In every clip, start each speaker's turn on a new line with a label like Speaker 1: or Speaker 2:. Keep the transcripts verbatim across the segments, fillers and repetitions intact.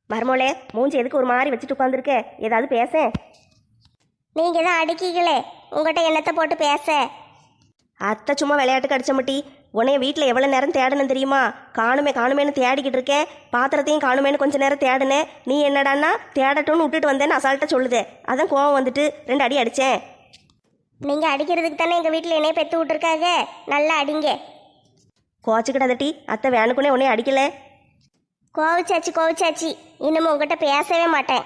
Speaker 1: மருமோளே, மூஞ்சி எதுக்கு ஒரு மாதிரி வச்சுட்டு உட்காந்துருக்க? ஏதாவது பேச.
Speaker 2: நீங்க தான் அடிக்கீங்களே, உங்கள்கிட்ட என்னத்தை போட்டு பேச?
Speaker 1: அத்தை சும்மா விளையாட்டுக்கு அடிச்ச மட்டி. உன்னைய வீட்டில் எவ்வளோ நேரம் தேடணும் தெரியுமா? காணுமே காணுமேனு தேடிக்கிட்டு இருக்கேன். பாத்திரத்தையும் காணுமேனு கொஞ்ச நேரம் தேடுனேன். நீ என்னடான்னா தேடட்டும்னு விட்டுட்டு வந்தேன்னு அசால்ட்டாக சொல்லுதே. அதான் கோவம் வந்துட்டு ரெண்டு அடி அடித்தேன்.
Speaker 2: நீங்க அடிக்கிறதுக்கு தானே எங்க வீட்டில் என்னைய பெற்று விட்டுருக்காங்க. நல்லா அடிங்க.
Speaker 1: கோச்சுக்கிட்டதட்டி, அத்தை வேணுக்குனே உன்னைய அடிக்கல.
Speaker 2: கோவிச்சாச்சு கோவிச்சாச்சு, இன்னமும் உங்ககிட்ட பேசவே மாட்டேன்.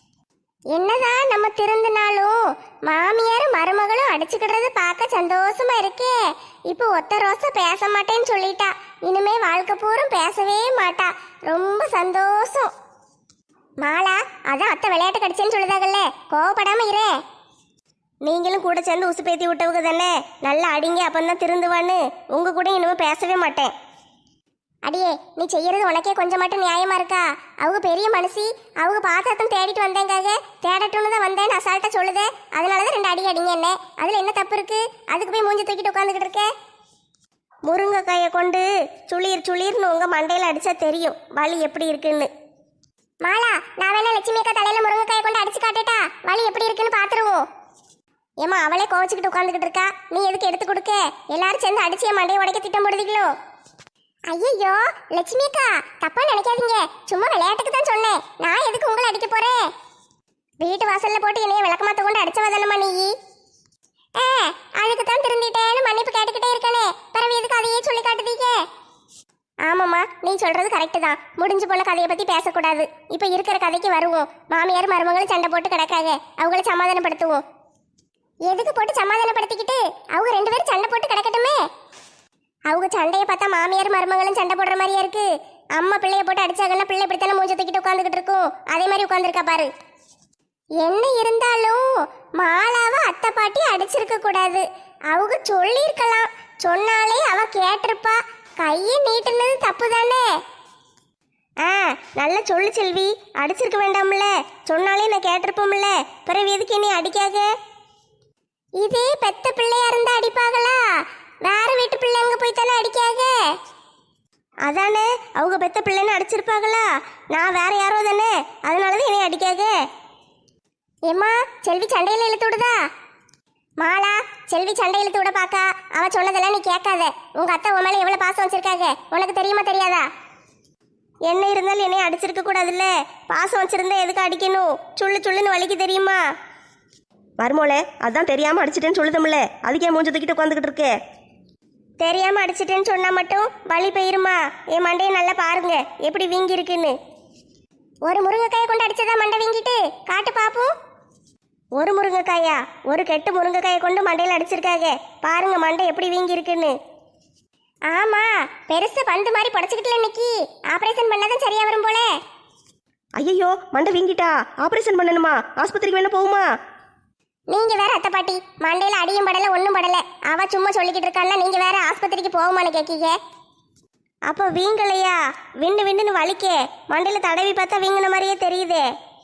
Speaker 2: என்னதான் நம்ம திருந்தினாலும் மாமியார் மருமகளும் அடிச்சுக்கிடுறது பார்க்க சந்தோஷமா இருக்கே. இப்போ ஒத்த ரோசா பேச மாட்டேன்னு சொல்லிட்டா. இனிமே வாழ்க்கை பூரம் பேசவே மாட்டா. ரொம்ப சந்தோஷம். மாலா, அதான் அத்தை விளையாட்டு கடிச்சேன்னு சொல்லுதாகல்ல, கோவப்படாம இரு. நீங்களும் கூட சேர்ந்து உசு பேத்தி விட்டவங்க தானே. நல்லா அடிங்க, அப்பந்தான் திருந்துவான்னு. உங்க கூட இனிமே பேசவே மாட்டேன். அடியே, நீ செய்யறது உனக்கே கொஞ்சம் மட்டும் நியாயமா இருக்கா? அவங்க பெரிய மனுஷி, அவங்க பாத்திரத்தும் தேடிட்டு வந்தேங்காக. தேடட்டும்னு தான் வந்தேன்னு அசால்ட்டா சொல்லுதே. அதனாலதான் ரெண்டு அடி அடிங்க என்ன. அதுல என்ன தப்பு இருக்கு? அதுக்கு போய் மூஞ்சி தூக்கிட்டு உட்காந்துக்கிட்டு இருக்க. முருங்கைக்காயை கொண்டு சுளீர் சுளீர்னு உங்க மண்டையில அடிச்சா தெரியும் வலி எப்படி இருக்குன்னு. மாலா, நான் வேணா லட்சுமி அக்கா தலையில முருங்கைக்காயை கொண்டு அடிச்சு காட்டுட்டா வலி எப்படி இருக்குன்னு பாத்துருவோம். ஏமா, அவளே கோவச்சுக்கிட்டு உட்காந்துக்கிட்டு இருக்கா, நீ எதுக்கு எடுத்து கொடுக்க? எல்லாரும் சேர்ந்து அடிச்சு என் மண்டையை உடைக்க திட்டம் போடுவீங்களோ? ஐயோ லட்சுமி அக்கா, தப்பா நினைக்காதீங்க. சும்மா விளையாட்டுக்கு தான் சொன்னேன். நான் எதுக்கு உங்களை அடிக்க போறேன்? வீட்டு வாசல்ல போட்டு என்னைய விளக்கமாத்த கொண்டு அடிச்சவதானமா நீ? ஏ, அதுக்கு தான் திருந்திட்டேன்னு மன்னிப்பு கேட்டுக்கிட்டே இருக்கானே, பிறகு எதுக்கு அதையே சொல்லி காட்டுதீங்க? ஆமாம்மா, நீ சொல்றது கரெக்டு தான். முடிஞ்சு போன கதையை பத்தி பேசக்கூடாது. இப்ப இருக்கிற கதைக்கு வருவோம். மாமியார் மருமகளும் சண்டை போட்டு கிடக்காங்க, அவங்கள சமாதானப்படுத்துவோம். எதுக்கு போட்டு சமாதானப்படுத்திக்கிட்டு? அவங்க ரெண்டு பேரும் சண்டை போட்டு கிடக்கட்டுமே. அவங்க சண்டையை பார்த்தா மாமியார் மருமகளும் சண்டை போடுற மாதிரியா இருக்கு. அம்மா பிள்ளைய போட்டு அடிச்சாங்கன்னா பிள்ளை இப்படித்தானே மூஞ்ச தூக்கிட்டு உட்காந்துக்கிட்டு இருக்கும். அதே மாதிரி உட்காந்துருக்கா பாரு. என்ன இருந்தாலும் மாலாவை அத்தை பாட்டி அடிச்சிருக்க கூடாது. அவங்க சொல்லியிருக்கலாம். சொன்னாலே அவ கேட்டிருப்பா. கையை நீட்டுனது தப்பு தானே. ஆ, நல்லா சொல்லு செல்வி. அடிச்சிருக்க வேண்டாம்ல. சொன்னாலே நான் கேட்டிருப்போம்ல. பிறகு எதுக்கு நீ அடிக்காக? இதே பெத்த பிள்ளையா இருந்தா அடிப்பாங்களா? வேற வீட்டு பிள்ளைங்க போய் தானே அடிக்காக. அதானே, அவங்க பெத்த பிள்ளைன்னு அடிச்சிருப்பாங்களா? நான் வேற யாரோ தானே, அதனாலதான் என்னை அடிக்காக. ஏம்மா, செல்வி சண்டையில இழுத்து விடுதா? மாலா, செல்வி சண்டை இழுத்து விட பாக்கா. அவ சொன்னதெல்லாம் நீ கேட்காத. உங்க அத்தை உன் மேல எவ்வளவு பாசம் வச்சிருக்காங்க உனக்கு தெரியுமா தெரியாதா? என்ன இருந்தாலும் என்னைய அடிச்சிருக்க கூடாதுல்ல. பாசம் வச்சிருந்தா எதுக்கு அடிக்கணும்? சுள்ளு சுள்ளுன்னு வலிக்கு தெரியுமா?
Speaker 1: மருமோளே, அதான் தெரியாம அடிச்சிட்டேன்னு சொல்லுதமில்ல, அதுக்கே மூஞ்சி தூக்கிட்டு உட்காந்துக்கிட்டு இருக்கே.
Speaker 2: தெரியாம அடிச்சிட்டேன்னு சொன்னா மட்டும் வலி போயிருமா? என் மண்டையை நல்லா பாருங்க எப்படி வீங்கி இருக்குன்னு. ஒரு முருங்கைக்காயை கொண்டு அடிச்சதா மண்டை வீங்கிட்டு காட்டு பாப்போம். ஒரு முருங்கைக்காயா? ஒரு கெட்டு முருங்கைக்காயை கொண்டு மண்டையில அடிச்சிருக்காங்க. பாருங்க மண்டை எப்படி வீங்கி இருக்குன்னு. ஆமா, பெருசு பந்து மாதிரி புடச்சுக்கிட்டுல இன்னைக்கு. ஆபரேஷன் பண்ணாதான் சரியா வரும் போல.
Speaker 1: ஐயோ, மண்டை வீங்கிட்டா? ஆபரேஷன் பண்ணணுமா? ஆஸ்பத்திரிக்கு வேணா போகுமா?
Speaker 2: நீங்க வேற அத்தை பாட்டி, மண்டையில அடியும் படல ஒன்னும் படல. அவ சும்மா சொல்லிக்கிட்டு இருக்கான்னா நீங்க வேற ஆஸ்பத்திரிக்கு போகுமான்னு கேக்கீங்க. அப்போ வீங்கலையா? விண்டு விண்டுன்னு வலிக்கே. மண்டையில தடவி பார்த்தா வீங்கின மாதிரியே தெரியுதே.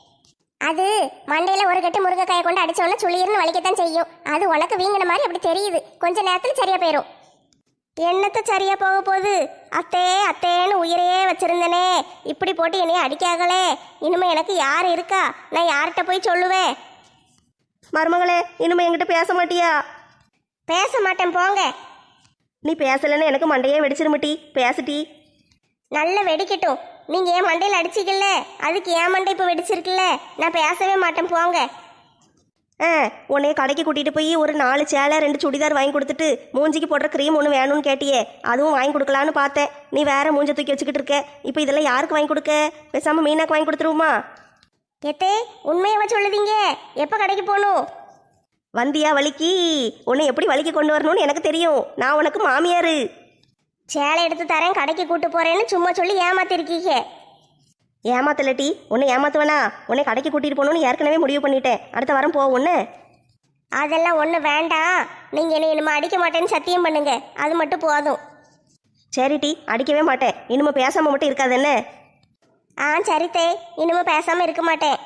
Speaker 2: அது மண்டையில ஒரு கட்டு முருங்கைக்காயை கொண்டு அடிச்சோன்னா சுளிர்னு வலிக்கத்தான் செய்யும். அது உனக்கு வீங்கின மாதிரி அப்படி தெரியுது. கொஞ்ச நேரத்துல சரியா போயிடும். என்னத்த சரியா போக போகுது? அத்தே அத்தேன்னு உயிரையே வச்சிருந்தனே, இப்படி போட்டு என்னைய அடிக்காங்களே. இனிமே எனக்கு யார் இருக்கா? நான் யார்கிட்ட போய் சொல்லுவேன்?
Speaker 1: மருமகளே, இனிமே என்கிட்ட பேச மாட்டியா?
Speaker 2: பேச மாட்டேன் போங்க.
Speaker 1: நீ பேசலன்னு எனக்கு மண்டையே வெடிச்சிருமட்டி. பேசிட்டி.
Speaker 2: நல்ல வெடிக்கட்டும். நீங்க ஏன் மண்டையில் அடிச்சிக்கல, அதுக்கு ஏன் மண்டை இப்போ வெடிச்சிருக்குல்ல. நான் பேசவே மாட்டேன் போங்க.
Speaker 1: ஆ, உன்னைய கடைக்கு கூட்டிகிட்டு போய் ஒரு நாலு சேலை ரெண்டு சுடிதார் வாங்கி கொடுத்துட்டு மூஞ்சிக்கு போடுற க்ரீம் ஒன்று வேணும்னு கேட்டியே, அதுவும் வாங்கி கொடுக்கலான்னு பார்த்தேன். நீ வேற மூஞ்ச தூக்கி வச்சுக்கிட்டு இருக்க. இப்போ இதெல்லாம் யாருக்கு வாங்கி கொடுக்க? பேசாமல் மீனாக்கு வாங்கி கொடுத்துருவோமா?
Speaker 2: எத்தே, உண்மையாவா சொல்லுதீங்க? எப்போ கடைக்கு போகணும்?
Speaker 1: வந்தியா வலிக்கு? உன்னை எப்படி வலிக்கு கொண்டு வரணும்னு எனக்கு தெரியும். நான் உனக்கு மாமியாரு.
Speaker 2: சேலை எடுத்து தரேன் கடைக்கு கூட்டு போறேன்னு சும்மா சொல்லி ஏமாத்திருக்கீங்க.
Speaker 1: ஏமாத்தலட்டி, உன்னை ஏமாத்துவேனா? உன்னை கடைக்கு கூட்டிகிட்டு போகணுன்னு ஏற்கனவே முடிவு பண்ணிட்டேன். அடுத்த வாரம் போ. ஒன்று
Speaker 2: அதெல்லாம் ஒன்றும் வேண்டாம். நீங்கள் என்னை இனிமே அடிக்க மாட்டேன்னு சத்தியம் பண்ணுங்க, அது மட்டும் போதும்.
Speaker 1: சரிட்டி, அடிக்கவே மாட்டேன். இனிமே பேசாமல் மட்டும் இருக்காது என்ன?
Speaker 2: ஆ சரித்தே, இனிமே பேசாம இருக்க மாட்டேன்.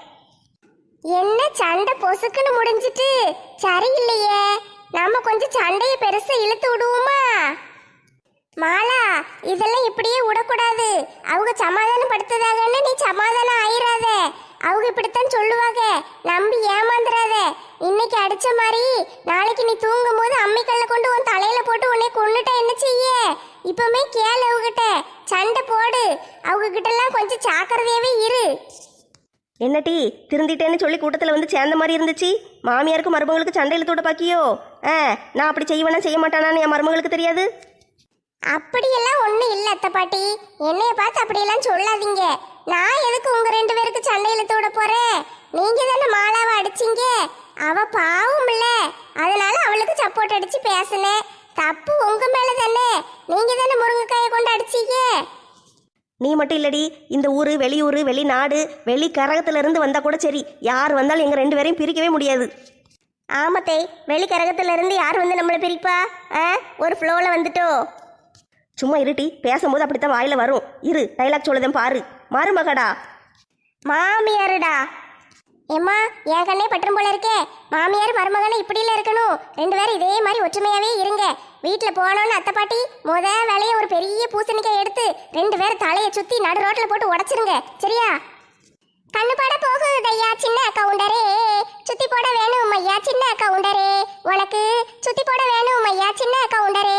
Speaker 2: என்ன சண்டை பொசுக்குன்னு முடிஞ்சிட்டு? சரியில்லையே, நம்ம கொஞ்சம் சண்டையை பெருசா இழுத்து விடுவோமா? மாலா, இதெல்லாம் இப்படியே விடக்கூடாது. அவங்க சமாதானம் படுத்ததாகன்னு நீ சமாதானம் ஆயிராத. அவங்க இப்படித்தான் சொல்லுவாங்க, நம்பி ஏமாந்துடாத. இன்னைக்கு அடிச்ச மாதிரி நாளைக்கு நீ தூங்கும் போது அம்மிக்கல்ல கொண்டு உன் தலையில போட்டு உன்னை கொன்னுட்டா என்ன செய்ய? இப்பவுமே கேளு, அவகிட்ட சண்டை போடு. அவங்க கிட்ட எல்லாம் கொஞ்சம் ஜாக்கிரதையாவே இரு.
Speaker 1: என்ன டீ திருந்திட்டேன்னு சொல்லி கூட்டத்தில் வந்து சேர்ந்த மாதிரி இருந்துச்சு. மாமியாருக்கு மருமகளுக்கு சண்டையில் தூட பாக்கியோ? ஆ, நான் அப்படி செய்வேனா செய்ய மாட்டானான்னு என் மருமகளுக்கு தெரியாது.
Speaker 2: அப்படியெல்லாம் ஒண்ணும் இல்ல அத்தை பாட்டி. என்னைய பார்த்து அப்படியெல்லாம் சொல்லாதீங்க. நான் எதுக்கு உங்க ரெண்டு பேருக்கு சண்டையில தூட போறேன்? நீங்க தானே மாலாவை அடிச்சீங்க. அவ பாவம் இல்ல, அதனால அவளுக்கு சப்போர்ட் அடிச்சு பேசினேன். தப்பு உங்க மேல தானே. நீங்க தானே முருங்கைக்காயை கொண்டு அடிச்சீங்க.
Speaker 1: நீ மட்டும் இல்லடி, இந்த ஊர் வெளியூர் வெளிநாடு வெளி கரகத்துல இருந்து வந்தா கூட சரி, யார் வந்தாலும் எங்க ரெண்டு பேரையும் பிரிக்கவே முடியாது.
Speaker 2: ஆமத்தை, வெளி கரகத்துல இருந்து யார் வந்து நம்மளை பிரிப்பா? ஆ, ஒரு ஃப்ளோல வந்துட்டோ.
Speaker 1: சும்மா இருட்டி, பேசும்போது அப்படித்தான் வாயில வரும். இரு, டைலாக் சொல்லுதேன் பாரு. மருமகடா.
Speaker 2: மாமியாருடா. ஏம்மா, என் கண்ணே பற்றும் போல இருக்கே. மாமியார் மருமகனை இப்படில இருக்கணும். ரெண்டு பேரும் இதே மாதிரி ஒற்றுமையாவே இருங்க. வீட்டுல போனோன்னு அத்தை பாட்டி முத வேலையை ஒரு பெரிய பூசணிக்காய் எடுத்து ரெண்டு பேரும் தலையை சுத்தி நடு ரோட்ல போட்டு உடைச்சிருங்க, சரியா? கண்ணு பாட போகுது ஐயா சின்ன கவுண்டரே, சுத்தி போட வேணும் ஐயா சின்ன கவுண்டரே, உனக்கு சுத்தி போட வேணும் ஐயா சின்ன கவுண்டரே.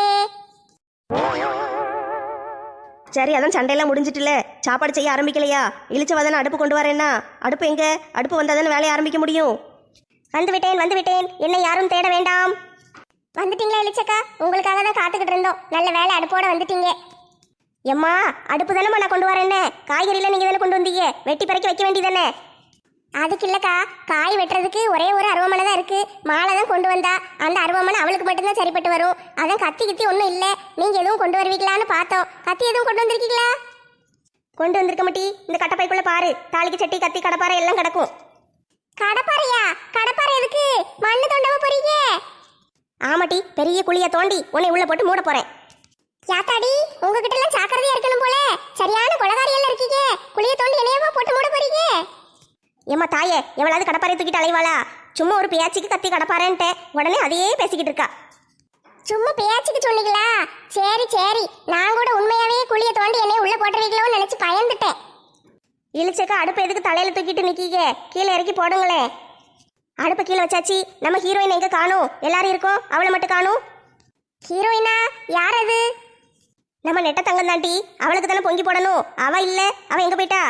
Speaker 1: சரி, அதான் சண்டையெல்லாம் முடிஞ்சிட்டுல, சாப்பாடு செய்ய ஆரம்பிக்கலையா? இழிச்சவாதானே அடுப்பு கொண்டு வரேன்னா? அடுப்பு எங்க? அடுப்பு வந்தால் தானே வேலையை ஆரம்பிக்க முடியும்.
Speaker 2: வந்து விட்டேன் வந்து விட்டேன், என்னை யாரும் தேட வேண்டாம். வந்துட்டீங்களா இளிச்சக்கா? உங்களுக்காக தான் காத்துக்கிட்டு இருந்தோம். நல்ல வேலை, அடுப்போட வந்துட்டீங்க.
Speaker 1: எம்மா, அடுப்பு தானேம்மா நான் கொண்டு வரேன்னு. காய்கறிலாம் நீங்கள் தானே கொண்டு வந்தீங்க, வெட்டி பறக்கி வைக்க வேண்டியதானே?
Speaker 2: அதுக்கு இல்லக்கா, காய் வெட்டுறதுக்கு ஒரே ஒரு அருவமனை தான் இருக்கு. மாலை தான் கொண்டு வந்தா. அந்த அருவமனை அவளுக்கு மட்டும்தான் சரிப்பட்டு வரும். அதான் கத்தி கித்தி ஒன்றும் இல்லை. நீங்க எதுவும் கொண்டு வருவீங்களான்னு பார்த்தோம். கத்தி எதுவும் கொண்டு வந்திருக்கீங்களா?
Speaker 1: கொண்டு வந்திருக்க மாட்டி. இந்த கட்டப்பைக்குள்ள பாரு, தாளிக்கு சட்டி கத்தி கடப்பாறை எல்லாம் கிடக்கும்.
Speaker 2: கடப்பாறையா? கடப்பாறை எதுக்கு? மண்ணு தோண்டவ போறீங்க?
Speaker 1: ஆமாட்டி, பெரிய குழியை தோண்டி உன்னை உள்ள போட்டு மூட போறேன்.
Speaker 2: யாத்தாடி, உங்ககிட்ட எல்லாம் ஜாக்கிரதையா இருக்கணும் போல. சரியான கொலகாரி எல்லாம் இருக்கீங்க. குழியை தோண்டி என்னையவா போட்டு மூட போறீங்க?
Speaker 1: ஏம்மா தாயே, எவ்வளவு கடப்பாறை தூக்கிட்டு அலைவாளா? சும்மா ஒரு பேச்சுக்கு கத்தி கடப்பாறேன்ட்டு உடனே அதையே பேசிக்கிட்டு இருக்கா.
Speaker 2: சும்மா பேச்சுக்கு சொன்னீங்களா? சரி சரி, நான் கூட உண்மையாவே குழியை தோண்டி என்னைய உள்ள போட்டுருவீங்களோன்னு நினைச்சு பயந்துட்டேன்.
Speaker 1: இழிச்சக்கா, அடுப்பு எதுக்கு தலையில தூக்கிட்டு நிக்கீங்க? கீழே இறக்கி போடுங்களேன். அடுப்பை கீழே வச்சாச்சு. நம்ம ஹீரோயின் எங்க காணும்? எல்லாரும் இருக்கோம், அவளை மட்டும் காணும்.
Speaker 2: ஹீரோயினா? யார் அது?
Speaker 1: நம்ம நெட்ட தங்கம் தாண்டி, அவளுக்கு தானே பொங்கி போடணும். அவ இல்ல, அவ எங்க போயிட்டா?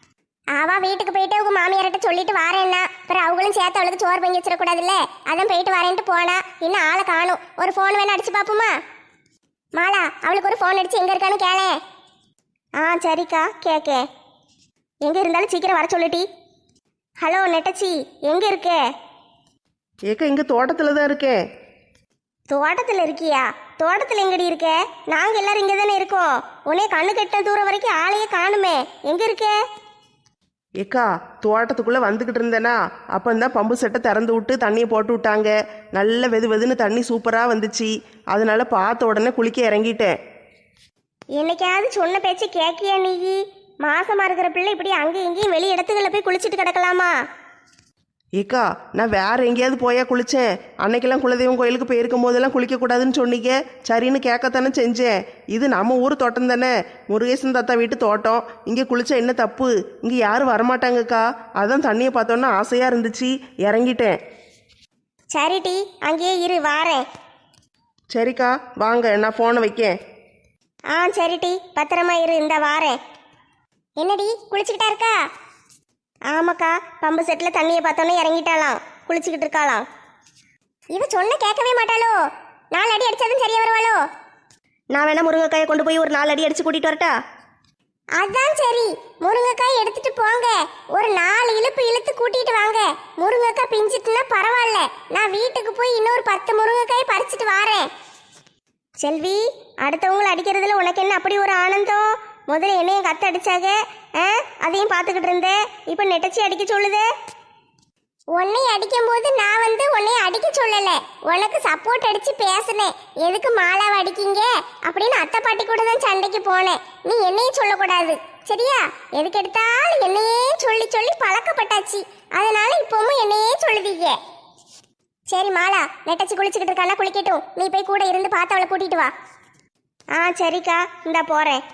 Speaker 2: அவ வீட்டுக்கு போயிட்டு உங்க மாமியார்கிட்ட சொல்லிட்டு வாரேன்னா, அப்புறம் அவங்களும் சேர்த்து அவளுக்கு சோறு பொங்கி வச்சிடக்கூடாதுல்ல, அதான் போயிட்டு வரேன்ட்டு போனா. இன்னும் ஆளை காணும். ஒரு ஃபோன் வேணா அடிச்சு பாப்போமா? மாலா, அவளுக்கு ஒரு ஃபோன் அடிச்சு எங்க இருக்கான்னு கேளே.
Speaker 1: ஆ சரிக்கா, கேட்க. எங்க இருந்தாலும் சீக்கிரம் வர சொல்லிட்டி. ஹலோ நெட்டச்சி, எங்க இருக்க?
Speaker 3: ஏக்கா, இங்கே தோட்டத்தில் தான் இருக்கேன்.
Speaker 1: தோட்டத்தில் இருக்கியா? தோட்டத்தில் எங்கடி இருக்க? நாங்கள் எல்லாரும் இங்கே தானே இருக்கோம். உன்னே கண்ணு கெட்ட தூரம் வரைக்கும் ஆளையே காணுமே. எங்கே இருக்க?
Speaker 3: ஏக்கா, தோட்டத்துக்குள்ளே வந்துக்கிட்டு இருந்தேனா, அப்போ தான் பம்பு செட்டை திறந்து விட்டு தண்ணியை போட்டு விட்டாங்க. நல்ல வெது வெதுன்னு தண்ணி சூப்பராக வந்துச்சு. அதனால பார்த்த உடனே குளிக்க இறங்கிட்டேன்.
Speaker 1: என்னைக்காவது சொன்ன பேச்சு கேட்கியா நீ? மாசமா இருக்கிற பிள்ளை இப்படி அங்கேயும் இங்கேயும் வெளி இடத்துக்குள்ள போய் குளிச்சுட்டு கிடக்கலாமா?
Speaker 3: ஏக்கா, நான் வேற எங்கேயாவது போயா குளித்தேன். அன்னைக்கெல்லாம் குலதெய்வம் கோயிலுக்கு போயிருக்கும் போதெல்லாம் குளிக்கக்கூடாதுன்னு சொன்னீங்க. சரின்னு கேட்கத்தானே செஞ்சேன். இது நம்ம ஊர் தோட்டம் தானே, முருகேசன் தாத்தா வீட்டு தோட்டம். இங்கே குளிச்சா என்ன தப்பு? இங்கே யாரும் வரமாட்டாங்கக்கா. அதான் தண்ணியை பார்த்தோன்னா ஆசையாக இருந்துச்சு, இறங்கிட்டேன்.
Speaker 1: சரி டி, அங்கேயே இரு, வாரேன்.
Speaker 3: சரிக்கா, வாங்க, நான் ஃபோனை வைக்கேன்.
Speaker 1: ஆ சரி டி, பத்திரமா இரு, இந்த வாரேன்.
Speaker 2: என்னடி, குளிச்சுக்கிட்டா இருக்கா?
Speaker 1: ஆமாக்கா, பம்பு செட்டில் தண்ணியை பார்த்தோன்னே இறங்கிட்டாலாம், குளிச்சுக்கிட்டு இருக்காளாம்.
Speaker 2: இவ சொன்ன கேட்கவே மாட்டாளோ? நாலு அடி அடிச்சாலும் சரியா வருவாளோ?
Speaker 1: நான் வேணா முருங்கைக்காயை கொண்டு போய் ஒரு நாலு அடி அடிச்சு கூட்டிட்டு வரட்டா?
Speaker 2: அதான் சரி, முருங்கைக்காய் எடுத்துட்டு போங்க. ஒரு நாலு இழுப்பு இழுத்து கூட்டிட்டு வாங்க. முருங்கைக்காய் பிஞ்சிட்டுனா பரவாயில்ல, நான் வீட்டுக்கு போய் இன்னொரு பத்து முருங்கைக்காய் பறிச்சுட்டு வாரேன்.
Speaker 1: செல்வி, அடுத்தவங்களை அடிக்கிறதுல உனக்கு என்ன அப்படி ஒரு ஆனந்தம்? முதல்ல என்னையும் கத்த அடிச்சாங்க, அதையும் பார்த்துக்கிட்டு இருந்தேன். இப்போ நெட்டச்சி அடிக்க சொல்லுதே.
Speaker 2: உன்னை அடிக்கும் போது நான் வந்து உன்னை அடிக்க சொல்லல, உனக்கு சப்போர்ட் அடிச்சு பேசினேன். எதுக்கு மாலாவை அடிக்கீங்க அப்படின்னு அத்தை பாட்டி கூட தான் சண்டைக்கு போனேன். நீ என்னையும் சொல்லக்கூடாது, சரியா? எதுக்கு எடுத்தாலும் என்னையே சொல்லி சொல்லி பழக்கப்பட்டாச்சு. அதனால இப்பவும் என்னையே சொல்லுதீங்க. சரி மாலா, நெட்டச்சி குளிச்சுக்கிட்டு இருக்கானா, குளிக்கட்டும். நீ போய் கூட இருந்து பார்த்து அவளை கூட்டிட்டு வா. ஆ சரிக்கா, இந்தா போறேன்.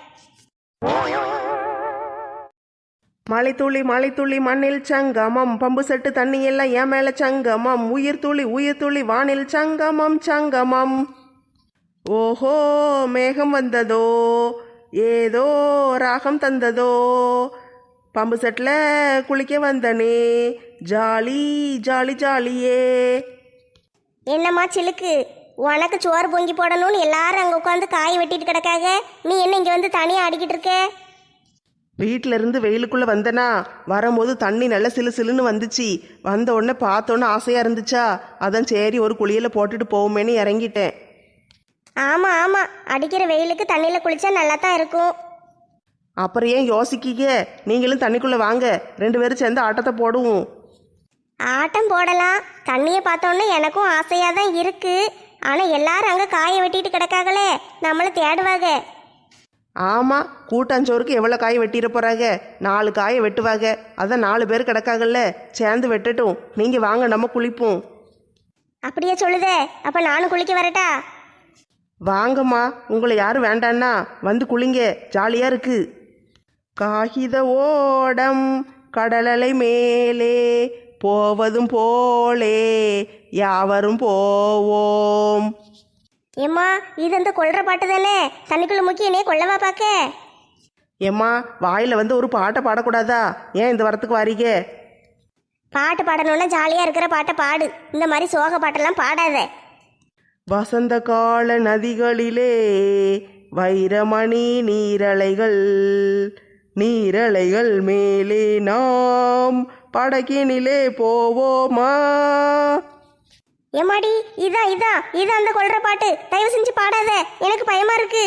Speaker 3: மலைத்துளி மலைத்துளி மண்ணில் சங்கமம், பம்பு செட்டு தண்ணி எல்லாம் என் மேல சங்கமம், உயிர் துளி உயிர் துளி வானில் சங்கமம் சங்கமம். ஓஹோ மேகம் வந்ததோ, ஏதோ ராகம் தந்ததோ, பம்பு செட்டில் குளிக்க வந்தனே, ஜாலி ஜாலி ஜாலியே.
Speaker 2: என்னம்மா சிலுக்கு, உனக்கு சோறு பொங்கி போடணும்னு எல்லாரும் அங்கே உட்காந்து காய் வெட்டிட்டு கிடக்காக, நீ என்ன இங்கே வந்து தனியாக ஆடிக்கிட்டு இருக்க?
Speaker 3: வீட்டில இருந்து வெயிலுக்குள்ளே வந்தனா, வரும்போது தண்ணி நல்லா சிலு சிலுன்னு வந்துச்சு. வந்த உடனே பார்த்தோன்னே ஆசையாக இருந்துச்சா, அதான் சரி ஒரு குளியலை போட்டுட்டு போவோமேன்னு இறங்கிட்டேன்.
Speaker 2: ஆமாம் ஆமாம், அடிக்கிற வெயிலுக்கு தண்ணியில் குளிச்சா நல்லா தான் இருக்கும்.
Speaker 3: அப்புறம் ஏன் யோசிக்கீங்க, நீங்களும் தண்ணிக்குள்ளே வாங்க, ரெண்டு பேரும் சேர்ந்து ஆட்டத்தை போடுவோம்.
Speaker 2: ஆட்டம் போடலாம், தண்ணியை பார்த்தோன்னே எனக்கும் ஆசையாக தான் இருக்கு. ஆனால் எல்லாரும் அங்கே காயை வெட்டிட்டு கிடக்காங்களே, நம்மளை தேடுவாங்க.
Speaker 3: ஆமாம், கூட்டாஞ்சோறுக்கு எவ்வளோ காய் வெட்டிட போகிறாங்க, நாலு காயை வெட்டுவாங்க. அதான் நாலு பேர் கிடக்காங்கல்ல, சேர்ந்து வெட்டட்டும். நீங்கள் வாங்க, நம்ம குளிப்போம்.
Speaker 2: அப்படியே சொல்லுதே, அப்போ நானும் குளிக்க வரட்டா?
Speaker 3: வாங்கம்மா, உங்களை யாரும் வேண்டான்னா வந்து குளிங்க, ஜாலியாக இருக்கு. காகித ஓடம் கடலலை மேலே போவதும் போலே யாவரும் போவோம்.
Speaker 2: ஏம்மா, இது அந்த கொள்ற பாட்டு தானே? தண்ணிக்குள்ள முக்கி என்னைய கொள்ளவா பார்க்க?
Speaker 3: ஏம்மா, வாயில் வந்து ஒரு பாட்டை பாடக்கூடாதா? ஏன் இந்த வரத்துக்கு வாரீங்க?
Speaker 2: பாட்டு பாடணும்னா ஜாலியாக இருக்கிற பாட்டை பாடு, இந்த மாதிரி சோக பாட்டெல்லாம் பாடாத.
Speaker 3: வசந்த கால நதிகளிலே வைரமணி நீரலைகள், நீரலைகள் மேலே நாம் படகினிலே போவோமா.
Speaker 2: ஏமாடி, இதான் இதான் இதான் அந்த கொள்ற பாட்டு, தயவு செஞ்சு பாடாத, எனக்கு பயமா இருக்கு.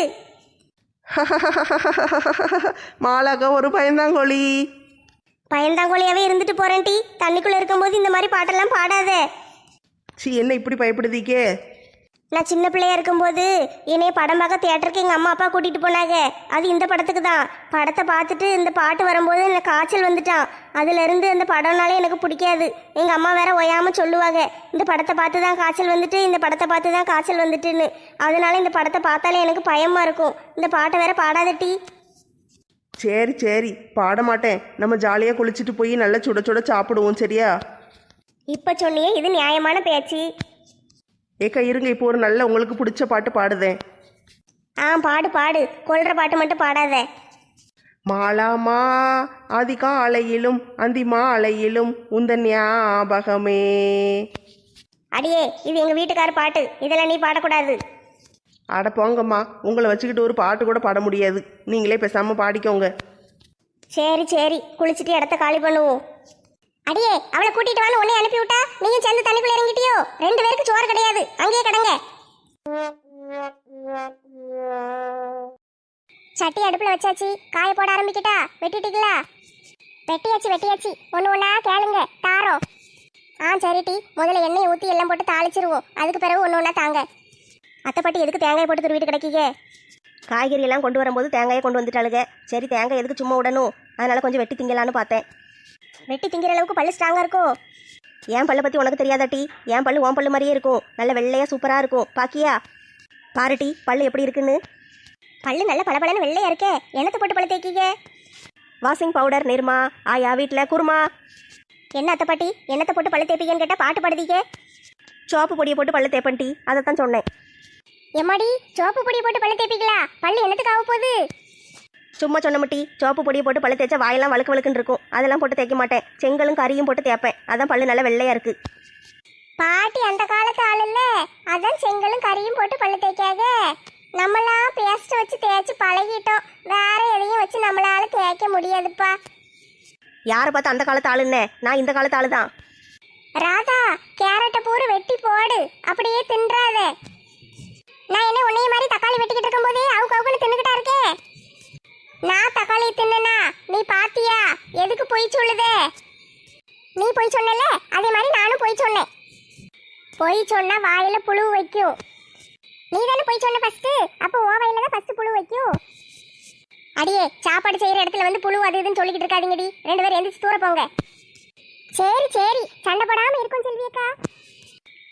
Speaker 3: மாலாக்கா ஒரு பயந்தாங்கோழி.
Speaker 2: பயந்தாங்கோழியாவே இருந்துட்டு போறேன் டி, தண்ணிக்குள்ள இருக்கும்போது இந்த மாதிரி பாட்டெல்லாம் பாடாத.
Speaker 3: சி, என்ன இப்படி பயப்படுதீக்கே?
Speaker 2: நான் சின்ன பிள்ளையா இருக்கும்போது என்னைய படம் பார்க்க தியேட்டருக்கு எங்கள் அம்மா அப்பா கூட்டிகிட்டு போனாங்க. அது இந்த படத்துக்கு தான். படத்தை பார்த்துட்டு இந்த பாட்டு வரும்போது எனக்கு காய்ச்சல் வந்துட்டான். அதுலேருந்து அந்த படம்னாலே எனக்கு பிடிக்காது. எங்கள் அம்மா வேற ஒயாமல் சொல்லுவாங்க, இந்த படத்தை பார்த்து தான் காய்ச்சல் வந்துட்டு, இந்த படத்தை பார்த்து தான் காய்ச்சல் வந்துட்டுன்னு. அதனால இந்த படத்தை பார்த்தாலே எனக்கு பயமாக இருக்கும். இந்த பாட்டை வேற பாடாதட்டி.
Speaker 3: சரி சரி, பாட மாட்டேன். நம்ம ஜாலியாக குளிச்சுட்டு போய் நல்லா சுட சுட சாப்பிடுவோம், சரியா?
Speaker 2: இப்போ சொன்னியே, இது நியாயமான பேச்சு.
Speaker 3: ஏக்கா இருங்க, இப்போ ஒரு நல்ல உங்களுக்கு பிடிச்ச பாட்டு பாடுதேன்.
Speaker 2: ஆ பாடு பாடு, கொள்ற பாட்டு மட்டும் பாடாத.
Speaker 3: மாலாமா அதிகாலையிலும் அந்தி மாலையிலும் உந்தன் ஞாபகமே.
Speaker 2: அடியே, இது எங்கள் வீட்டுக்கார பாட்டு, இதெல்லாம் நீ பாடக்கூடாது.
Speaker 3: அட போங்கம்மா, உங்களை வச்சுக்கிட்டு ஒரு பாட்டு கூட பாட முடியாது. நீங்களே பேசாமல் பாடிக்கோங்க.
Speaker 2: சரி சரி, குளிச்சுட்டு இடத்த காலி பண்ணுவோம். அடியே, அவளை கூட்டிட்டு வான்னு உன்னை அனுப்பி விட்டா நீயும் சேர்ந்து தண்ணிக்குள்ள இறங்கிட்டியோ? ரெண்டு பேருக்கு சோறு கிடையாது, அங்கேயே கடங்க. சட்டி அடுப்புல வச்சாச்சு, காய போட ஆரம்பிக்கிட்டா? வெட்டிட்டீங்களா? வெட்டியாச்சு வெட்டியாச்சு, ஒன்று ஒன்றா கேளுங்க தாரோம். ஆ சரி டி, முதல்ல எண்ணெயை ஊற்றி எல்லாம் போட்டு தாளிச்சிருவோம், அதுக்கு பிறகு ஒன்று ஒன்றா தாங்க. அத்தைப்பாட்டி எதுக்கு தேங்காயை போட்டு துருவிட்டு கிடைக்கீங்க?
Speaker 1: காய்கறி எல்லாம் கொண்டு வரும்போது தேங்காயை கொண்டு வந்துட்டாளுங்க. சரி, தேங்காய் எதுக்கு சும்மா விடணும், அதனால கொஞ்சம் வெட்டி திங்கலான்னு பார்த்தேன்.
Speaker 2: வெட்டி திங்கிற அளவுக்கு பல்லு ஸ்ட்ராங்காக இருக்கும்.
Speaker 1: என் பல்லை பற்றி உனக்கு தெரியாதாட்டி? என் பல்லு உன் பல்லு மாதிரியே இருக்கும், நல்ல வெள்ளையாக சூப்பராக இருக்கும். பாக்கியா பாருட்டி, பல்லு எப்படி இருக்குன்னு.
Speaker 2: பல்லு நல்ல பளபளன்னு வெள்ளையா இருக்கே, என்னத்தை போட்டு பழு தேய்க்கீங்க?
Speaker 1: Washing powder Nirma. ஆயா வீட்டில் குருமா.
Speaker 2: என்ன அத்தைப்பாட்டி, என்னத்தை போட்டு பழு தேய்ப்பீங்கன்னு கேட்டால் பாட்டு பாடுதீங்க.
Speaker 1: சோப்பு பொடியை போட்டு பல்லு தேப்பன்ட்டி, அதை தான் சொன்னேன்.
Speaker 2: எம்மாடி, சோப்பு பொடியை போட்டு பழு தேய்ப்பீங்களா? பல்லு என்னத்துக்கு ஆக போகுது?
Speaker 1: சும்மா சொன்னமட்டி, சோப்பு பொடியை போட்டு பல்லு தேய்ச்சா வாயெல்லாம் வழுக்கு வழுக்குன்னு இருக்கும், அதெல்லாம் போட்டு தேய்க்க மாட்டேன். செங்கலும் கறியும் போட்டு தேய்ப்பேன், அதான் பல்லு நல்லா வெள்ளையா இருக்கு.
Speaker 2: பாட்டி அந்த காலத்து ஆள் இல்ல, அதான் செங்கலும் கறியும் போட்டு பல்லு தேய்க்காத. நம்மளாம் பேஸ்ட் வச்சு தேய்ச்சி பழகிட்டோம், வேற எதையும் வச்சு நம்மளால தேய்க்க முடியாதுப்பா.
Speaker 1: யாரை பார்த்து அந்த காலத்து ஆளுன்னே? நான் இந்த காலத்து ஆளு தான்.
Speaker 2: ராதா, கேரட்டை பூரு வெட்டி போடு, அப்படியே தின்றாத. நான் என்ன உன்னைய மாதிரி தக்காளி வெட்டிக்கிட்டு இருக்கும் போதே அவுக்கு அவுக்குன்னு தின்னுக்கிட்டா இருக்கேன். நான் தக்காளி தின்னா நீ பாத்தியா? எதுக்கு பொய் சொல்லுதே? நீ பொய் சொன்னல, அதே மாதிரி நானும் பொய் சொன்னேன். பொய் சொன்னா வாயில புழு வைக்கும். நீ தானே பொய் சொன்ன ஃபர்ஸ்ட், அப்போ ஓ வாயில தான் ஃபர்ஸ்ட் புழு வைக்கும். அடியே, சாப்பாடு செய்யற இடத்துல வந்து புழு அது இதுன்னு சொல்லிக்கிட்டு இருக்காதீங்கடி, ரெண்டு பேரும் எந்திரிச்சு தூர போங்க. சரி சரி, சண்டை போடாம இருக்கும் செல்வியக்கா.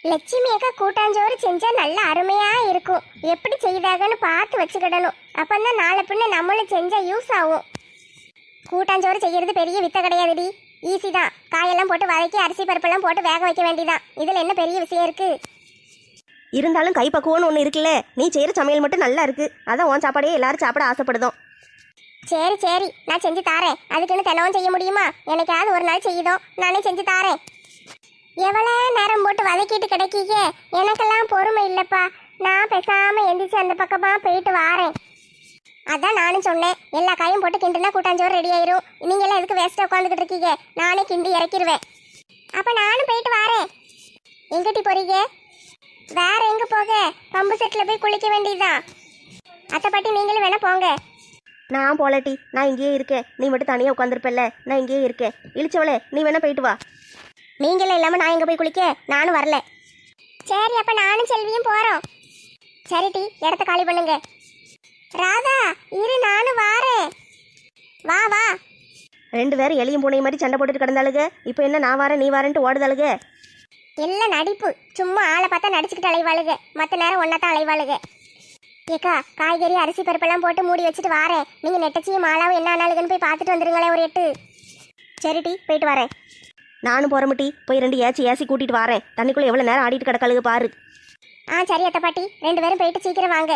Speaker 2: லட்சுமி அக்கா கூட்டாஞ்சோறு செஞ்சா நல்ல அருமையா இருக்கும். எப்படி செய்தாகன்னு பார்த்து வச்சுக்கிடணும். அப்பந்தான் நாளை பின்ன நம்மளும் செஞ்சா யூஸ் ஆகும். கூட்டாஞ்சோறு செய்யறது பெரிய வித்த கிடையாதுடி, ஈஸி தான். காயெல்லாம் போட்டு வதக்கி அரிசி பருப்பெல்லாம் போட்டு வேக வைக்க வேண்டியதான். இதுல என்ன பெரிய விஷயம் இருக்கு?
Speaker 1: இருந்தாலும் கைப்பக்குவம்னு ஒன்று இருக்குல்ல. நீ செய்கிற சமையல் மட்டும் நல்லா இருக்கு, அதான் உன் சாப்பாடையே எல்லாரும் சாப்பிட ஆசைப்படுதோம்.
Speaker 2: சரி சரி, நான் செஞ்சு தாரேன். அதுக்குன்னு தினமும் செய்ய முடியுமா? எனக்காவது ஒரு நாள் செய்யுதோம், நானே செஞ்சு தாரேன். எவ்வளோ நேரம் போட்டு வதக்கிட்டு கிடைக்கீங்க? எனக்கெல்லாம் பொறுமை இல்லைப்பா. நான் பேசாம எந்திரிச்சு அந்த பக்கமா போயிட்டு வாரேன். அதான் நானும் சொன்னேன், எல்லா காயும் போட்டு கிண்டுனா கூட்டாஞ்சோறு ரெடி ஆயிரும். நீங்க எல்லாம் எதுக்கு வேஸ்டா உட்காந்துக்கிட்டு இருக்கீங்க? நானே கிண்டி இறக்கிடுவேன். அப்ப நானும் போயிட்டு வாரேன். எங்கிட்டி போறீங்க? வேற எங்க போக? பம்பு செட்ல போய் குளிக்க வேண்டியதுதான். அத்தை பாட்டி நீங்களும் வேணா போங்க.
Speaker 1: நான் போலட்டி, நான் இங்கேயே இருக்கேன். நீ மட்டும் தனியாக உட்காந்துருப்பல்ல, நான் இங்கேயே இருக்கேன். இழிச்சவளே, நீ வேணா போயிட்டு வா.
Speaker 2: நீங்களும் இல்லாம நான் எங்க போய் குளிக்க? நானும் வரல. சரி, அப்ப நானும் செல்வியும் போறோம். சரி டி, இடத்த காலி பண்ணுங்க. ராதா இரு, நானும் வாரேன். வா வா.
Speaker 1: ரெண்டு பேரும் எலியும் பூனை மாதிரி சண்டை போட்டுட்டு கிடந்தாளுங்க. இப்போ என்ன நான் வரேன் நீ வரேன்ட்டு ஓடுதாளுங்க.
Speaker 2: எல்லாம் நடிப்பு. சும்மா ஆளை பார்த்தா நடிச்சுக்கிட்டு அலைவாளுங்க, மற்ற நேரம் ஒன்னா தான் அலைவாளுங்க. ஏக்கா, காய்கறி அரிசி பருப்பெல்லாம் போட்டு மூடி வச்சுட்டு வாரேன். நீங்க நெட்டச்சியும் மாலாவும் என்ன ஆனாலுங்கன்னு போய் பார்த்துட்டு வந்துருங்களேன் ஒரு எட்டு.
Speaker 1: சரி டி, போயிட்டு வரேன். நானும் போகிறமுட்டி, போய் ரெண்டு ஏச்சி ஏசி கூட்டிகிட்டு வரேன். தண்ணிக்குள்ளே எவ்வளோ நேரம் ஆடிட்டு கிடக்காளுங்க பாரு.
Speaker 2: ஆ சரி அத்தை பாட்டி, ரெண்டு பேரும் போயிட்டு சீக்கிரம் வாங்க.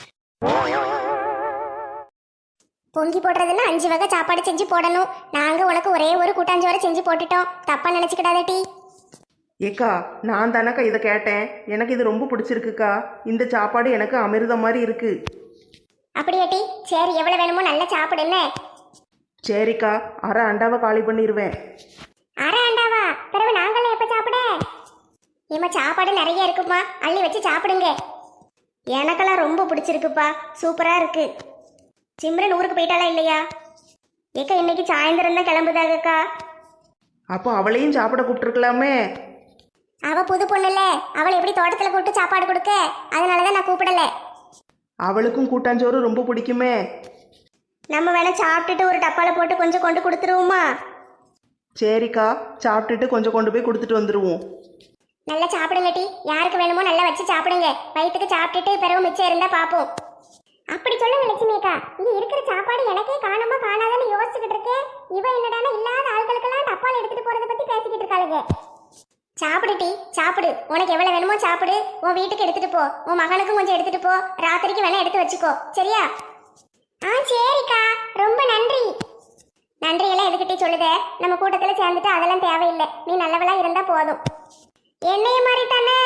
Speaker 2: பொங்கி போடுறதுன்னா அஞ்சு வகை சாப்பாடு செஞ்சு போடணும். நாங்க உனக்கு ஒரே ஒரு கூட்டாஞ்சோரை செஞ்சு போட்டுட்டோம், தப்பா நினைச்சுக்கிடாத டி.
Speaker 3: ஏக்கா, நான் தானக்கா இதை கேட்டேன். எனக்கு இது ரொம்ப பிடிச்சிருக்குக்கா. இந்த சாப்பாடு எனக்கு அமிர்தம் மாதிரி இருக்கு.
Speaker 2: அப்படியா டி? சரி, எவ்வளவு வேணுமோ நல்லா சாப்பிடுன்னு.
Speaker 3: சரிக்கா, அரை அண்டாவை காலி பண்ணிடுவேன்.
Speaker 2: அரை அண்டாவா? பிறகு நாங்களும் எப்ப சாப்பிட? ஏமா சாப்பாடு நிறைய இருக்குப்பா, அள்ளி வச்சு சாப்பிடுங்க. எனக்கெல்லாம் ரொம்ப பிடிச்சிருக்குப்பா, சூப்பரா இருக்கு. சிம்ரன் ஊருக்கு போயிட்டாளா இல்லையா? ஏக்கா இன்னைக்கு சாயந்தரம் தான் கிளம்புதாகக்கா.
Speaker 3: அப்போ அவளையும் சாப்பிட கூப்பிட்டுருக்கலாமே.
Speaker 2: அவ புது பொண்ணுல, அவளை எப்படி தோட்டத்துல கூப்பிட்டு சாப்பாடு கொடுக்க? அதனாலதான் நான் கூப்பிடல.
Speaker 3: அவளுக்கும் கூட்டாஞ்சோறு ரொம்ப பிடிக்குமே.
Speaker 2: நம்ம வேணா சாப்பிட்டுட்டு ஒரு டப்பால போட்டு கொஞ்சம் கொண்டு கொடுத்துருவோமா?
Speaker 3: சரிக்கா, சாப்பிட்டுட்டு கொஞ்சம் கொண்டு போய் கொடுத்துட்டு வந்துடுவோம்.
Speaker 2: நல்லா சாப்பிடுங்க டி, யாருக்கு வேணுமோ நல்லா வச்சு சாப்பிடுங்க. வயிற்றுக்கு சாப்பிட்டுட்டு பிறகு மிச்சம் இருந்தா பாப்போம். அப்படி சொல்லுங்க லட்சுமி அக்கா, இங்க இருக்கிற சாப்பாடு எனக்கே காணுமா காணாதான்னு யோசிச்சுக்கிட்டு இருக்கேன். இவ என்னடானா இல்லாத ஆட்களுக்கெல்லாம் டப்பால எடுத்துட்டு போறத பத்தி பேசிக்கிட்டு இருக்காளுங்க. சாப்பிடு டி, சாப்பிடு. உனக்கு எவ்வளவு வேணுமோ சாப்பிடு. உன் வீட்டுக்கு எடுத்துட்டு போ, உன் மகனுக்கும் கொஞ்சம் எடுத்துட்டு போ. ராத்திரிக்கு வேணா எடுத்து வச்சுக்கோ, சரியா? ஆ சரிக்கா, ரொம்ப நன்றி. நன்றி எல்லாம் எதுக்கிட்டே சொல்லுத? நம்ம கூட்டத்துல சேர்ந்துட்டு அதெல்லாம் தேவையில்லை. நீ நல்லவளா இருந்தா போதும். என்னைய மாதிரி தானே?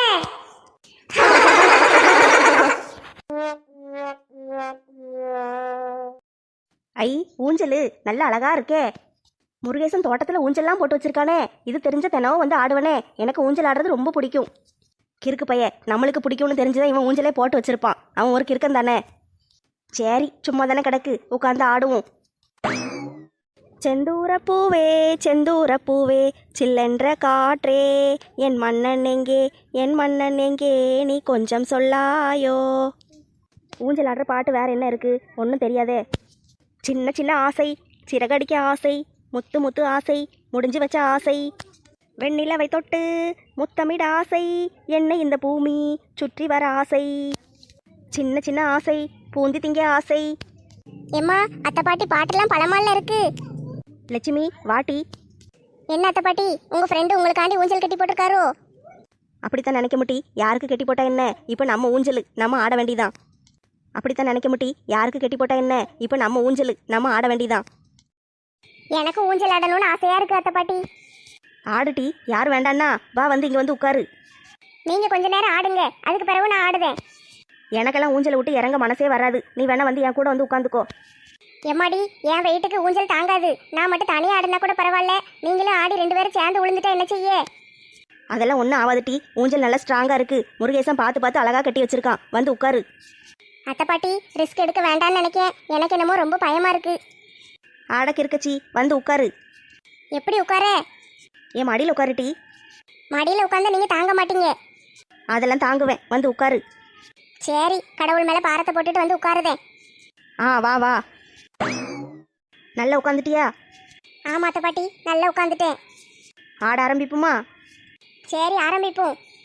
Speaker 1: ஐ, ஊஞ்சல் நல்ல அழகா இருக்கே. முருகேசன் தோட்டத்தில் ஊஞ்சல்லாம் போட்டு வச்சிருக்கானே. இது தெரிஞ்ச தினமும் வந்து ஆடுவனே. எனக்கு ஊஞ்சல் ஆடுறது ரொம்ப பிடிக்கும். கிறுக்கு பைய, நம்மளுக்கு பிடிக்கும்னு தெரிஞ்சுதான் இவன் ஊஞ்சலே போட்டு வச்சிருப்பான். அவன் ஒரு கிறுக்கன் தானே. சரி, சும்மா தானே கிடக்கு, உட்காந்து ஆடுவோம். செந்தூர பூவே செந்தூர பூவே சில்லென்ற காற்றே, என் மன்னன் எங்கே என் மன்னன் எங்கே நீ கொஞ்சம் சொல்லாயோ. ஊஞ்சல் ஆடுற பாட்டு வேற என்ன இருக்கு? ஒன்றும் தெரியாதே. சின்ன சின்ன ஆசை, சிறகடிக்க ஆசை, முத்து முத்து ஆசை, முடிஞ்சு வச்ச ஆசை, வெண்ணிலவை தொட்டு முத்தமிட ஆசை, என்னை இந்த பூமி சுற்றி வர ஆசை, சின்ன சின்ன ஆசை, பூந்தி திங்க ஆசை.
Speaker 2: ஏம்மா, அத்தை பாட்டி பாட்டெல்லாம் பழமால இருக்கு.
Speaker 1: லட்சுமி வாட்டி.
Speaker 2: என்ன அத்தை பாட்டி, உங்க ஃப்ரெண்டு உங்களுக்காண்டி ஊஞ்சல் கட்டி போட்டிருக்காரோ?
Speaker 1: அப்படித்தான் நினைக்க முட்டி. யாருக்கு கட்டி போட்டா என்ன, இப்போ நம்ம ஊஞ்சல் நம்ம ஆட வேண்டிதான். அப்படித்தான் நினைக்க முட்டி. யாருக்கு கட்டி போட்டா என்ன, இப்போ நம்ம ஊஞ்சல் நம்ம ஆட வேண்டிதான்.
Speaker 2: எனக்கு ஊஞ்சல் ஆடணும்னு ஆசையா இருக்கு அத்தை பாட்டி.
Speaker 1: ஆடுட்டி, யார் வேண்டான்னா வா, வந்து இங்கே வந்து உட்காரு.
Speaker 2: நீங்க கொஞ்ச நேரம் ஆடுங்க, அதுக்கு பிறகு நான் ஆடுவேன்.
Speaker 1: எனக்கெல்லாம் ஊஞ்சலை விட்டு இறங்க மனசே வராது. நீ வேணா வந்து என் கூட வந்து உட்காந்துக்கோ.
Speaker 2: எம்மாடி, என் வெயிட்டுக்கு ஊஞ்சல் தாங்காது. நான் மட்டும் தனியாக ஆடினா கூட பரவாயில்ல. நீங்களும் ஆடி ரெண்டு பேரும் சேர்ந்து விழுந்துட்டா என்ன செய்ய?
Speaker 1: அதெல்லாம் ஒன்றும் ஆகாதுட்டி. ஊஞ்சல் நல்லா ஸ்ட்ராங்காக இருக்கு. முருகேசன் பார்த்து பார்த்து அழகாக கட்டி வச்சிருக்கான். வந்து உட்காரு.
Speaker 2: அத்தை பாட்டி, ரிஸ்க் எடுக்க வேண்டாம்னு நினைக்கேன். எனக்கு என்னமோ ரொம்ப பயமா இருக்கு.
Speaker 1: ஆடக்கு இருக்கச்சி, வந்து உட்காரு.
Speaker 2: எப்படி உட்கார?
Speaker 1: என் மடியில் உட்காருட்டி.
Speaker 2: மடியில் உட்காந்து நீங்க தாங்க மாட்டீங்க.
Speaker 1: அதெல்லாம் தாங்குவேன், வந்து உட்காரு.
Speaker 2: சரி, கடவுள் மேலே பாரத்தை போட்டுட்டு வந்து உட்காருதேன்.
Speaker 1: ஆ வா வா. நல்லா உட்காந்துட்டியா?
Speaker 2: ஆமா அத்தை பாட்டி, நல்லா உட்காந்துட்டேன்.
Speaker 1: ஆட ஆரம்பிப்புமா?
Speaker 2: சரி, ஆரம்பிப்போம்.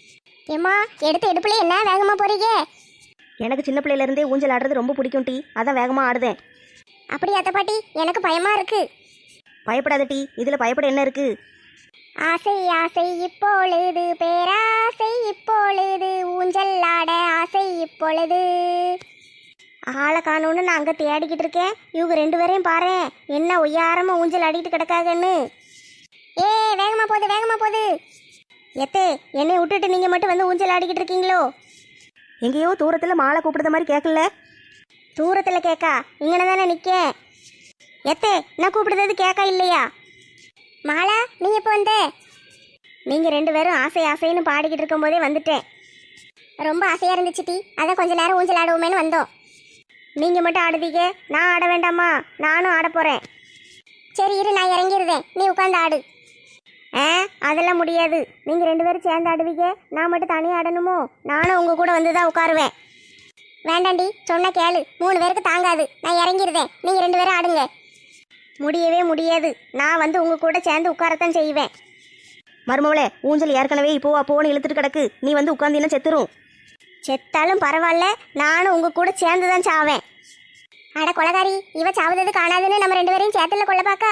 Speaker 2: ஏம்மா எடுத்த எடுப்புல என்ன வேகமா போறீங்க?
Speaker 1: எனக்கு சின்ன பிள்ளையில இருந்தே ஊஞ்சல் ஆடுறது ரொம்ப பிடிக்கும் டீ, அதான் வேகமா ஆடுதேன்.
Speaker 2: அப்படி அத்தை பாட்டி, எனக்கு பயமா இருக்கு.
Speaker 1: பயப்படாத டீ, இதுல பயப்பட என்ன இருக்கு?
Speaker 2: ஆசை ஆசை இப்பொழுது, பேராசை இப்பொழுது, ஊஞ்சல் ஆட ஆசை இப்பொழுது. ஆளை காணோன்னு நான் அங்கே தேடிக்கிட்டு இருக்கேன். இவங்க ரெண்டு பேரையும் பாரு, என்ன ஒய்யாரமா ஊஞ்சல் ஆடிட்டு கிடக்காகன்னு. ஏ வேகமா போகுது வேகமா போகுது. எத்தே என்னை விட்டுட்டு நீங்கள் மட்டும் வந்து ஊஞ்சல் ஆடிக்கிட்டு இருக்கீங்களோ?
Speaker 1: எங்கேயோ தூரத்துல மாலை கூப்பிடுற மாதிரி கேட்கல.
Speaker 2: தூரத்தில் கேட்கா, இங்கே தானே நிற்க. எத்தே நான் கூப்பிடுறது கேட்கா இல்லையா? மாலா நீ எப்போ வந்த? நீங்கள் ரெண்டு பேரும் ஆசை ஆசைன்னு பாடிக்கிட்டு இருக்கும்போதே வந்துட்டேன். ரொம்ப ஆசையாக இருந்துச்சு டீ, அதான் கொஞ்ச நேரம் ஊஞ்சல் ஆடுவோமேனு வந்தோம். நீங்கள் மட்டும் ஆடுதீங்க, நான் ஆட வேண்டாமா? நானும் ஆட போகிறேன். சரி இரு, நான் இறங்கிடுவேன், நீ உட்காந்து ஆடு. ஆ அதெல்லாம் முடியாது, நீங்கள் ரெண்டு பேரும் சேர்ந்து ஆடுவீங்க, நான் மட்டும் தனியாக ஆடணுமோ? நானும் உங்கள் கூட வந்து தான் உட்காருவேன். வேண்டாண்டி, சொன்ன கேளு, மூணு பேருக்கு தாங்காது, நான் இறங்கிடுவேன், நீங்கள் ரெண்டு பேரும் ஆடுங்க. முடியவே முடியாது, நான் வந்து உங்கள் கூட சேர்ந்து உட்காரத்தான் செய்வேன்.
Speaker 1: மருமவளே, ஊஞ்சல் ஏற்கனவே இப்போ அப்போன்னு இழுத்துட்டு கிடக்கு, நீ வந்து உட்காந்தீங்கன்னா செத்துரும்.
Speaker 2: செத்தாலும் பரவாயில்ல, நானும் உங்கள் கூட சேர்ந்து தான் சாவேன். அட கொலகாரி, இவ சாவதது காணாதுன்னு நம்ம ரெண்டு பேரையும் சேத்துல கொள்ள பாக்கா.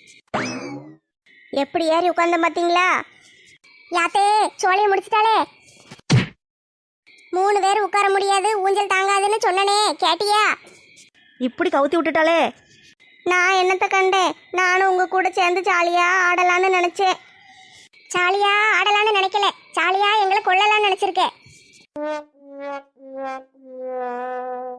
Speaker 2: எப்படி ஏறி உட்கார்ந்த பாத்தீங்களா? யாத்தே சோழியை முடிச்சிட்டாளே. மூணு பேர் உட்கார முடியாது, ஊஞ்சல் தாங்காதுன்னு சொன்னனே, கேட்டியா?
Speaker 1: இப்படி கவுத்தி விட்டுட்டாலே.
Speaker 2: நான் என்னத்தை கண்டேன், நானும் உங்க கூட சேர்ந்து ஜாலியா ஆடலான்னு நினைச்சேன். ஜாலியா ஆடலான்னு நினைக்கல, ஜாலியா எங்களை கொள்ளலான்னு நினைச்சிருக்கேன்.